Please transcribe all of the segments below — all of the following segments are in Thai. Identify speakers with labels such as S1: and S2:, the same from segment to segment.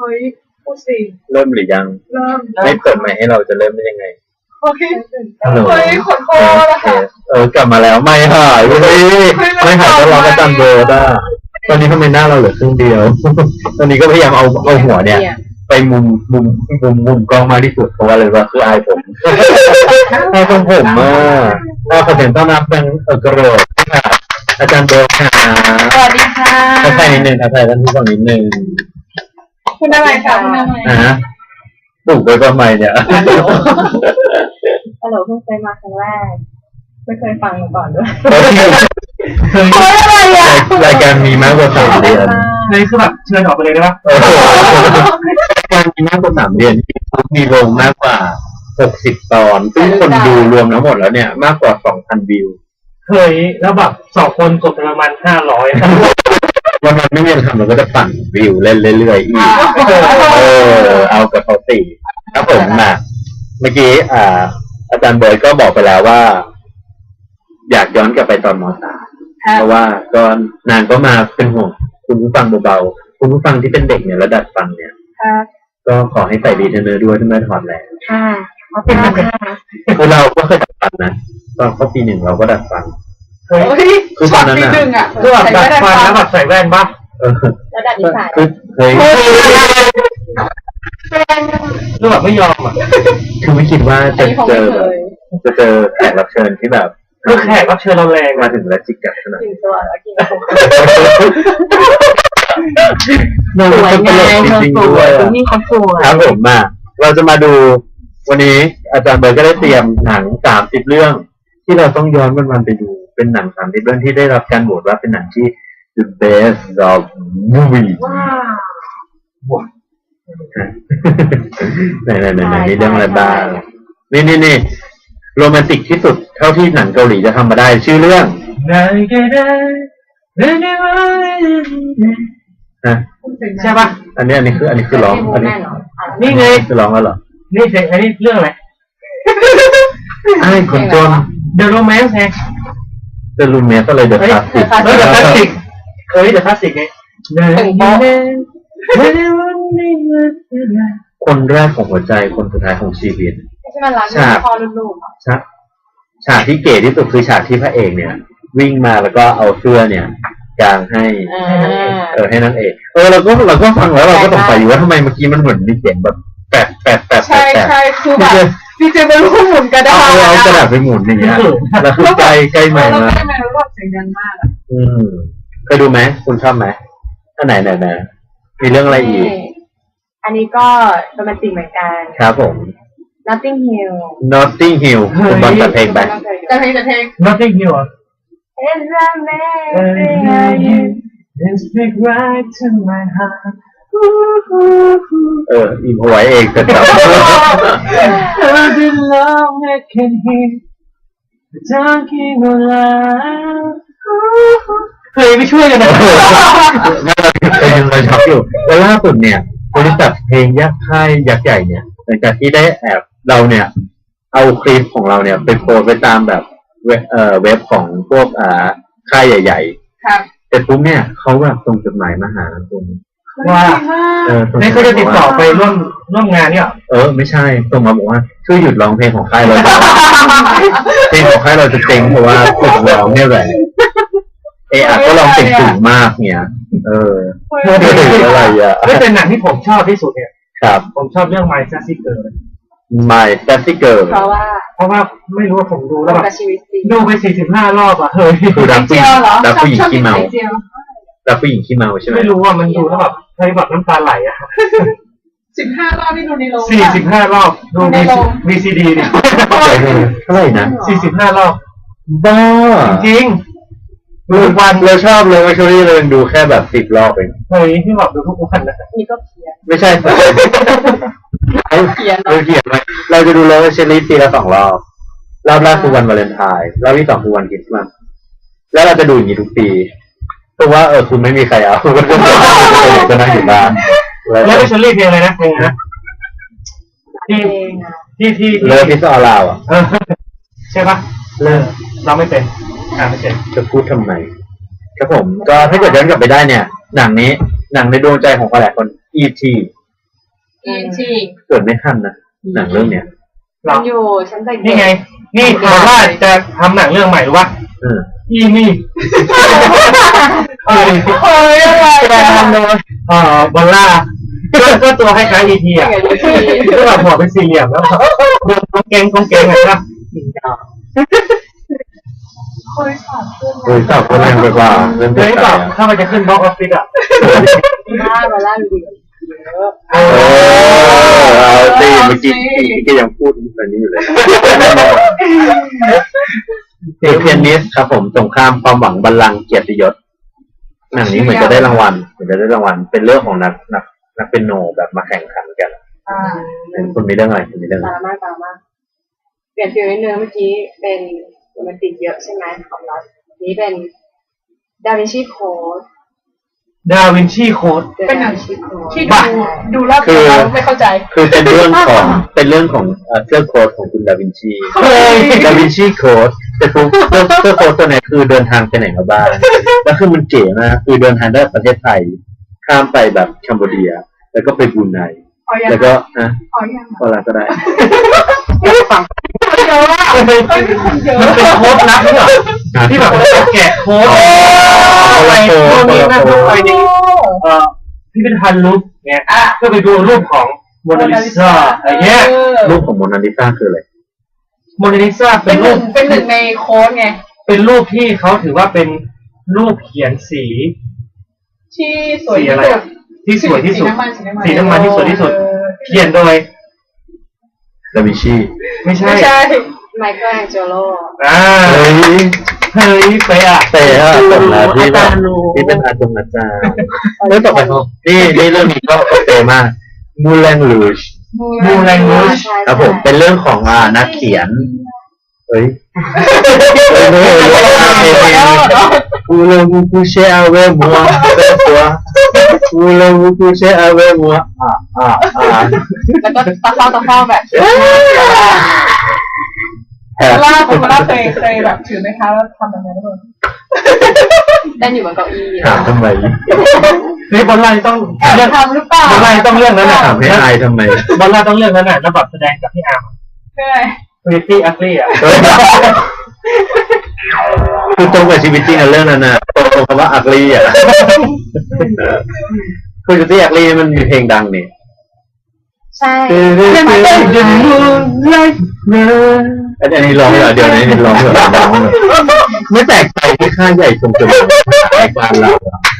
S1: ฮ้ยพูดสิ
S2: เริ่มหรือยัง
S1: เริ่ม
S2: ไม่เปิดใหม่ให้เราจะเริ่มได้ยังไง
S1: เฮ้ยเฮ้ยขอโทษนะคะ
S2: กลับมาแล้วไม่หายเว้ยไม่หายก็ร้องประจำโบสอ่ะตอนนี้ทำไมหน้าเราเหลือครึ่งเดียว ตอนนี้ก็พยายามเอาหัวเนี่ยไปมุมกล้องมากที่สุดเพราะว่าอะไรวะคืออายผมอายผมมากขอเสียงต้อนรับเป็นกระโดดค่ะอาจารย์โบค่ะ
S1: สวัสดีค่ะ
S2: ทักทายนิดนึงทักทายท่านผู้ฟังนิดนึง
S1: คุณอะไรคะคุณอะไร
S2: ปลูกไว้ประมาณเนี่ย
S1: ฮัลโหลเพิ่งเคยมาครั้งแรกไม่เคยฟังมาก่อนด้วยอะไรอ่ะ
S2: รายการมีมากกว่า3 เดือน
S3: เลยคือแบบเชิญออกไปเลยได้ปะ
S2: รายการมีมากกว่า3 เดือนมีวงมากกว่า60 ตอนซึ่งคนดูรวมทั้งหมดแล้วเนี่ยมากกว่า 2,000 วิว
S3: เคยแล้วแบบ2 คนกดประมาณ500
S2: วันนั้นไม่มีอะไรทำเราก็จะปั่นวิวเล่นเรื่อยๆอีกเอากับเขาตีครับผมมาเมื่อกี้อาจารย์เบิร์ดก็บอกไปแล้วว่าอยากย้อนกลับไปตอนม.3 เพราะว่าก็นางก็มาเป็นห่วงคุณผู้ฟังเบาๆคุณผู้ฟังที่เป็นเด็กเนี่ยระดับฟังเนี่ยก็ขอให้ใส่ดีเทนเนอร์ด้วยถ้าไม่ถอดแล้ว
S1: ค่ะขอบคุณค่ะ
S2: คือเราก็เคยดัดฟันนะตอนเข้าปี 1เราก็ดัดฟัน
S1: คือตอนนั้นอ่ะ
S3: คือแบบดัดฟันแล้วแบบใส่แว่นปะ
S1: แล้วดัดนิสัย
S2: คือ
S3: คือแบบไม่ยอมอ่ะ
S2: คือไม่คิดว่าจะเจอแขกรับเชิญที่แบบ
S3: คือแขกรับเชิญเราแรง
S2: มาถึงแล้วจิกกัดขนาด
S1: กินตัวแล้วกิน
S2: สวยไงจริงๆด้วย
S1: นี่เขาสวย
S2: ครับผมมาเราจะมาดูวันนี้อาจารย์เบิร์ดก็ได้เตรียมหนัง30 เรื่องที่เราต้องย้อนวันไปดูเป็นหนัง30 เรื่องที่ได้รับการโหวตว่าเป็นหนังที่ the best of movie
S1: ว้าว
S2: ไหนนี่เรื่องอะไรบ้างนี่โรแมนติกที่สุดเท่าที่หนังเกาหลีจะทำมาได้ชื่อเรื่อง
S3: ใช่ปะ
S2: อันนี้คือร้องอันนี้
S3: นี่ไง
S2: คือร้องแล้วเหรอ
S3: นี่เพลงอันนี้เรื่องอะไร
S2: ไอ้คนจน
S3: The Romance ไง
S2: The Romance อะไร The Classic
S3: The Classic The Classic ไง
S2: คนแรกของหัวใจคนสุดท้ายของชีวิต
S1: ฉากพอลูก
S2: ฉากที่เก๋ที่สุดคือฉากที่พระเอกเนี่ยวิ่งมาแล้วก็เอาเสื้อเนี่ยกางให้ให้นางเอกเราก็ฟังแล้วเราก็สงสัยอยู่ว่าทำไมเมื่อกี้มันเหมือนมีเสียงแบบแปะ
S1: ใช่คือแบบพี่เจเป็นรูปหมุนกระดาษ
S2: เอากระดาษไปหมุนอย่างเงี้ยแล้วคือใกล้ใหม่มา
S1: เสียงดังมาก
S2: เคยดูไหมคุณชอบไหมอันไหนมีเรื่องอะไรอีก
S1: อันนี้ก็โรแมนติกเหมือนกัน
S2: ครับผม
S1: Notting
S2: Hill คุณบอลจัดเพลงไป
S1: จัดเพลง
S3: Notting Hill
S1: It's amazing
S3: Then speak right to my heart
S2: อินพไว้เองแต่แบบ
S3: I've been long I can hear the talking of love เคยไปช่วยกันนะ
S2: เราชอบอยู่แล้วล่าสุดเนี่ยบริษัทเพลงยักษ์ค่ายยักษ์ใหญ่เนี่ยหลังจากที่ได้แอบเราเนี่ยเอาคลิปของเราเนี่ยไปโพสไปตามแบบเว็บของพวกค่ายใหญ่
S1: ๆครับ
S2: แต่ปุ๊บเนี่ยเขาแบบส่งจดหมายมาหาตรง
S3: ว่าไม่เขาจะติดต่อไปร่วมงานเนี่ย
S2: ไม่ใช่ส่งมาบอกว่าช่วยหยุดร้องเพลงของค่ายเราเพลงของค่ายเราจะเจ๊งเพราะว่าฝึกร้องเนี่ยแหละก็ร้องเสียงสูงมากเนี่ยอะไรอ่ะ
S3: ไม่เป็นหนังที่ผมชอบที่สุดเนี่ย
S2: ครับ
S3: ผมชอบเรื่อง My Sassy Girl
S2: My Sassy Girl
S1: เพราะ
S3: ว่าไม่รู้ว่าผมดูแล้วแบบดูไป45 รอบอ่ะ
S2: คือรักผู้หญิงขี้เมารักผู้หญิงขี้เมาใช่ไหม
S3: ไม่รู้ว่ามันดูแล้วแบบใช้แบบน้ำตาไหลอ่ะ
S1: 15 รอบที่ดูในโรง
S3: 45 รอบดูใน VCD เนี่ย
S2: เท่าไหร่นะ
S3: 45 รอบ
S2: บ้า
S3: จริง
S2: วันเราชอบเลยว่าช่วงนี้เราดูแค่แบบ10 รอบเอง
S3: ที่แบบดูทุกวันนะ
S1: นี่ก็เพี้ยน
S2: ไม่ใช่เพี้ยนไหมเราจะดูเลยว่าเชลลี่ปีละ2 รอบรอบแรกคือวันวาเลนไทน์รอบที่ 2คือวันคริสต์มาสแล้วเราจะดูอย่างนี้ทุกปีเพราะว่าคุณไม่มีใครเอาก็นั่งอยู่บ้าน
S3: แล้วเชลลี่เพลงอะไรนะเพลงนะที่
S2: เลิฟพิซซ่าลาว
S3: ใช่ปะเราไม่เป็นไม่เป็น
S2: จะพูดทำไมครับผมก็ถ้าเกิดย้อนกลับไปได้เนี่ยหนังในดวงใจของหลายคน E.T.
S1: ที่
S2: เกิดไม่ทันนะหนังเรื่องเนี้ย
S1: มันอยู่ชั้นเด็ก
S3: นี่ไง นี่ถามว่าจะทำหนังเรื่องใหม่หรือวะ อีนี่
S1: เฮ้ยอะไร
S3: แกทำเลยบอลล่าก็ตัวให้คล้ายอีทีอ่ะก็แบบหัวเป็นสี่เหลี่ยมแล้วเดินกองเกงไงครับ
S1: เคยสอบขึ้น
S2: โอ้ยสาวคนแรงไปกว่าเรื่อง
S3: เฮ้ยแบบถ้ามันจะขึ้นบล็อกออฟฟิศอ่ะ
S1: มาล่าดี
S2: เอาสิเมื่อกี้ก็ยังพูดแบบนี้อยู่เลยเพียนิสครับผมสงครามความหวังบัลลังก์เกียรติยศหนังนี้เหมือนจะได้รางวัลเป็นเรื่องของนักเปียโนแบบมาแข่งขันกันคุณมีเรื่องอะไรคุณมีเรื่องอะไร
S1: ตามมาเปลี่ยนฟิลนิดนึงเมื่อกี้เป็นโรแมนติกเยอะใช่ไหมของเรานี้เป็นดาวินชีโค้ด
S3: ดาวินชีโค้ด
S1: เป็นหนังที่ดูรอบ
S2: คือ
S1: ไม่เข้าใจ
S2: คือเป็นเรื่องของเสื้อโค้ดของคุณดาวินชีดาวินชีโค้ดแต่ตัวเสื้อโค้ดตัวไหนคือเดินทางไปไหนมาบ้างแล้วคือมันเก๋มากคือเดินทางได้ประเทศไทยข้ามไปแบบแคนเบอร์เรียแล้วก็ไปบรูไนแล้วก็พอละก็ได้
S3: ฟังเยอะมากมันเป็นโค้ดลับเหรอที่แบบแกะโค้ดอะไรพวกนี้นะไปในพิพิธภัณฑ์รูปเนี่ยเพื่อไปดูรูปของโมนาลิซาอะไรเงี้ย
S2: รูปของโมนาลิซาคืออะไร
S3: โมนาลิซาเป็นรูป
S1: เป็นหนึ่งในโค้ดไง
S3: เป็นรูปที่เขาถือว่าเป็นรูปเขียนสี
S1: ที่สวย
S3: อะไรที่สวยที่สุดสีน้ำมันที่สวยที่สุดเขียนโดย
S2: ดาวินชี
S3: ไม่ใช่
S1: ไมเคิลแองเจโล
S3: เฮ้ยเป๊ะ
S2: ตกแล้วที่เป็นอาจารย์เรื่องต่อไปนี่เรื่องนี้ก็โอเคมากมูแลงลูชครับผมเป็นเรื่องของนักเขียนเฮ้ยอูเลวูกูเชอาเวมัวเป็นตัวอูเลวูกูเชอาเวมัว
S1: แล้วก็ตะเข้าแบบผมล่าเคยแบบถือไหมคะแล้วทำแบบนั้นด้วยได้อยู่บนเก้าอี้
S2: ถามทำไม
S3: นี่บอลไลต้อง
S1: เรื่องทำหรือเปล่า
S3: บอลไลต้องเรื่องนั้นแหละ
S2: ถามให้อายทำไม
S3: บอลไลต้องเรื่องนั้นแหละแล้วแบบแสดงกับพี่อาร์ม
S1: ใช่
S3: Pretty Ugly อ่ะ
S2: คือตรงกับชีวิตจริงอะเรื่องนั้นนะตรงคำว่า ugly อ่ะคือ Pretty Ugly มันมีเพลงดังนี่
S1: ใช่
S2: อันนี้ร้องเหรอเดี๋ยวนี้ร้องเหรอไม่แปลกใจที่ค่าใหญ่ชมจมูกแตกบ้านเรา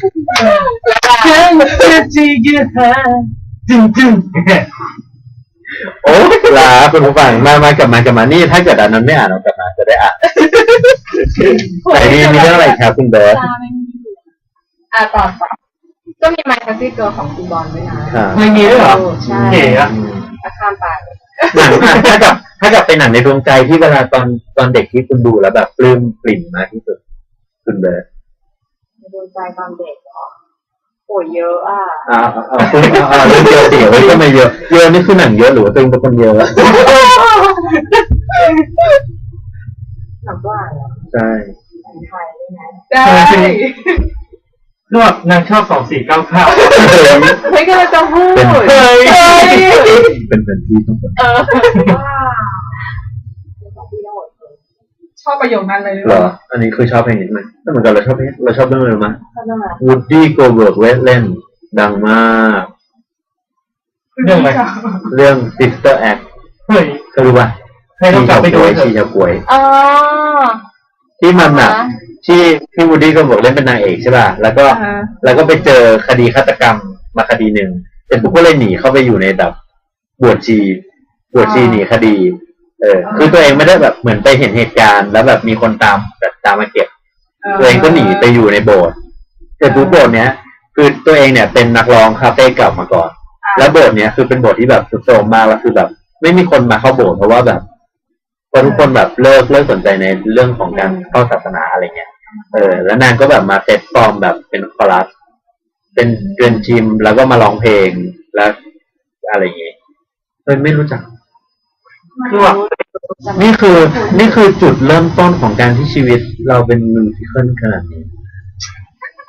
S2: โอ้ลาคุณผู้ฟังมากลับมานี่ถ้าเกิดอันนั้นไม่อ่านเรากลับมาจะได้อ่านแต่นี่มีเรื่องอะไรครับคุณเบิร์ต
S1: ต่อก็มีไมค์แคสซี่เกิร์ลของคุณบอลด้วยนะ
S3: ไม่มีด้วยเหรอ
S1: เก๋
S3: อะ
S1: ข้ามไป
S2: หนังถ้ากับเป็นหนังในดวงใจที่เวลาตอนเด็กที่คุณดูแล้วแบบปลื้มปริ่มมากที่สุดคุณเบิร์ต
S1: ในดวงใจตอนเด็กเหรอโอ้ยเยอะอ่ะ
S2: คุณเรื่องเยอะสิก็ไม่เยอะนี่คือหนังเยอะหรือว่าตัวเองเป็นคนเยอะ
S1: หนังว่า
S2: ใช่
S1: ไทยได้
S3: ก็นางชอบ2499
S1: ไม่ก็จะพูด
S2: เป็นที่ต้อง
S1: ชอบประโยคนั้นเลย
S2: เหรออันนี้คือชอบเพลงนี้ไหมถ้าเหมือนกันเราชอบเรื่องอะไรมั้ย Woody Goldberg เล่นดังมาก
S3: เรื่องอะไร
S2: เรื่อง Sister Act
S3: เฮ้ย
S2: ก็รู้ป่ะ
S3: ให้เรากลับไปดู
S2: ชีชาวกวยที่มันน่ะที่วูดดี้ก็บอกเล่นเป็นนางเอกใช่ป่ะแล้วก็ไปเจอคดีฆาตกรรมมาคดีหนึ่งแต่พวกก็เลยหนีเข้าไปอยู่ในแบบบวชชีหนีคดีคือตัวเองไม่ได้แบบเหมือนไปเห็นเหตุการณ์แล้วแบบมีคนตามมาเก็บตัวเองก็หนีไปอยู่ในโบสถ์แต่ทุกโบสถ์เนี้ยคือตัวเองเนี่ยเป็นนักร้องคาเฟ่เก่ามาก่อนแล้วโบสถ์เนี้ยคือเป็นโบสถ์ที่แบบสุดโทรมมากแล้วคือแบบไม่มีคนมาเข้าโบสถ์เพราะว่าแบบทุกคนแบบเลิกสนใจในเรื่องของการเข้าศาสนาอะไรเงี้ยแล้วนางก็แบบมาเซตฟอร์มแบบเป็นคอรัสเป็นเรียนทีมแล้วก็มาร้องเพลงแล้วอะไรอย่างเงี้ยไม่รู้จักคือว่านี่คือจุดเริ่มต้นของการที่ชีวิตเราเป็นมิวสิคัลขนาดนี้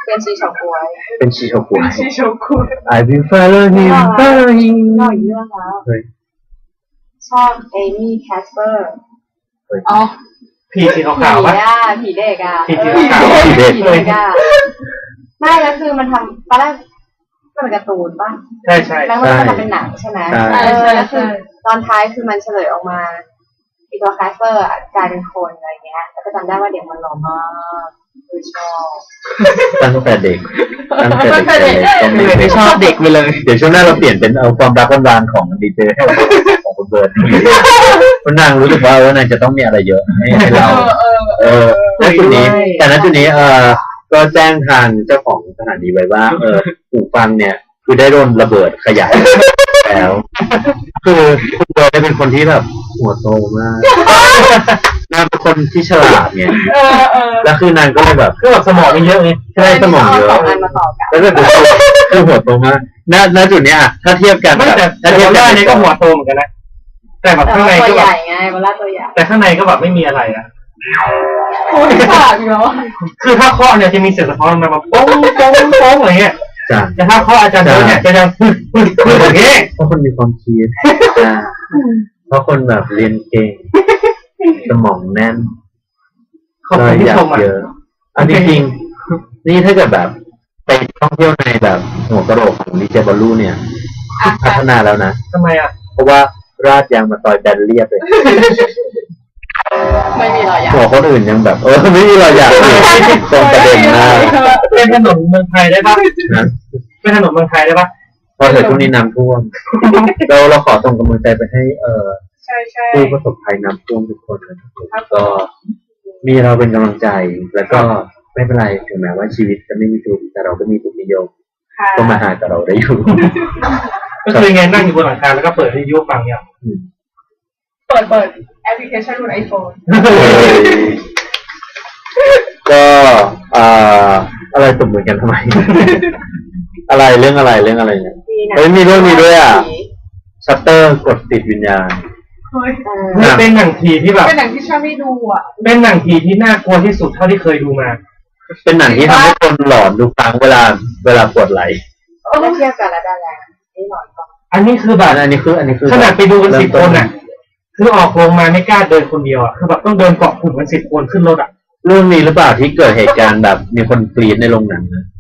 S1: เป็นชีเฉาก๊วย
S2: เป็นชีโชกุ
S1: ชีเฉาก๊วย
S2: I will follow him follow him
S1: ชอบอีกเรื่องแล้ว
S2: เฮ้ย
S1: ชอบเอมี่แคสเปอร์
S3: อ๋อผีสีขาวๆปะ
S1: ผีเด็กอ่ะ
S3: ผีขาว
S1: ผีเด็กอ่ะไม่แล้วคือมันทำตอนแรกมันเป็นการ์ตูนป่ะ
S3: ใช่ใช่
S1: แล้วมันก็ทำเป็นหนังใช่ไหมแล้วคือตอนท้ายคือมันเฉลยออกมาอีตัวแคสเปอร์กลายเป็นคนอะไรเงี้ยแล้วก็จำได้ว่าเด็กมันหล่อมากคือชอบ
S2: ตั้งแต่เด็กก็
S3: ไม่ชอบเด็กไปเลย
S2: เดี๋ยวช่วงหน้าเราเปลี่ยนเป็นเอาความรักหวานๆของดีเจของคุณเบิร์ดคุณนางรู้สึกว่านางจะต้องมีอะไรเยอะให้เราณจุดนี้แต่ณจุดนี้ก็แจ้งทางเจ้าของสถานีไว้ว่าหูฟังเนี่ยคือได้โดนระเบิดขยายแล้วคือคุณเบิร์ดเป็นคนที่แบบหัวโตมากนางเป็นคนที่ฉลาดเนี่ยแล้วคือนางก็เลยแบบ
S3: คือแบบสมองมันเยอะไง
S2: ใช่สมองเยอะแล้วก็คือหัวโตมากณจุดนี้ถ้าเทียบกัน
S3: ไม่แต่ถ้าเทียบกันนี่ก็หัวโตเหมือนกันนะแต่แบบข้างในก็แบบ
S1: ไงเวลาตัวใหญ่
S3: แต่ข้างในก็แบบไม่มีอะไรอ่ะ
S1: โอ้ยขาดอยู่แล้ว
S3: คือถ้าเคาะเนี่ยจะมีเสียงสะท้อนมาแบบป้งป้งป้งอะไรเงี้ยแต่ถ้าเคาะอาจารย์เนี่ยจะดังปึ๊ดปึ๊ดปึ๊ดอย่างเงี้ย
S2: เพราะคนมีความคิดเพราะคนแบบเรียนเก่งสมองแน่น
S3: เลยอยาก
S2: เยอะอันจริงๆนี่ถ้าเกิดแบบไปท่องเที่ยวในแบบหัวกระโหลกของดีเจบอลลูเนี่ยพัฒนาแล้วนะ
S3: ทำไมอ่ะ
S2: เพราะว่าราดยางมาต่อยแบนเรียบเลย
S1: ไม่มีรอยหยัก
S2: หัวคนอื่นยังแบบไม่มีรอยหยักตรงประเด็นมาก
S3: เป็นถนนเมืองไทยได้ปะเป็นถนนเมืองไทยได้ปะ
S2: พอเถิดช่วงนี้น้ำท่วมเราขอส่งกำลังใจไปให้ผู้ประสบภัยน้ำท่วมทุกคนนะครับก็มีเราเป็นกำลังใจแล้วก็ไม่เป็นไรถึงแม้ว่าชีวิตจะไม่มีทุกข์แต่เราก็มีทุกนิยมก็มาหากับเราได้อยู่
S3: ก็คือไงนั่งอยู่บนหลังคาแล้วก็เปิดวิทยุฟังเนี่ย
S1: เปิดแอปพลิเคชันบน iPhone
S2: ก็อะไรตบมือกันทำไมอะไรเรื่องอะไรเนี่ยมีเรื่องนี้ด้วยอ่ะชัตเตอร์กดติดวิญญาณ
S3: เป็นหนังผีที่แบบ
S1: เป็นหนังที่ชอบไม่ดูอ่ะ
S3: เป็นหนังผีที่น่ากลัวที่สุดเท่าที่เคยดูมา
S2: เป็นหนังที่ทำให้คนหลอนดูฟังเวลาปวดไหล
S1: ไม่เทียบกันแล้วได้แล้วนี่หลอนก่อน
S3: อันนี้คือแบบ
S2: อันนี้คือ
S3: ขนาดไปดูกัน10 คนอ่ะคือออกโรงมาไม่กล้าเดินคนเดียวอ่ะคือแบบต้องเดินเกาะกลุ่มกัน10 คนขึ้นรถอ่ะ
S2: เรื่องนี้หรือเปล่าที่เกิดเหตุการณ์แบบมีคนกรี๊ดในโรงหนังนะ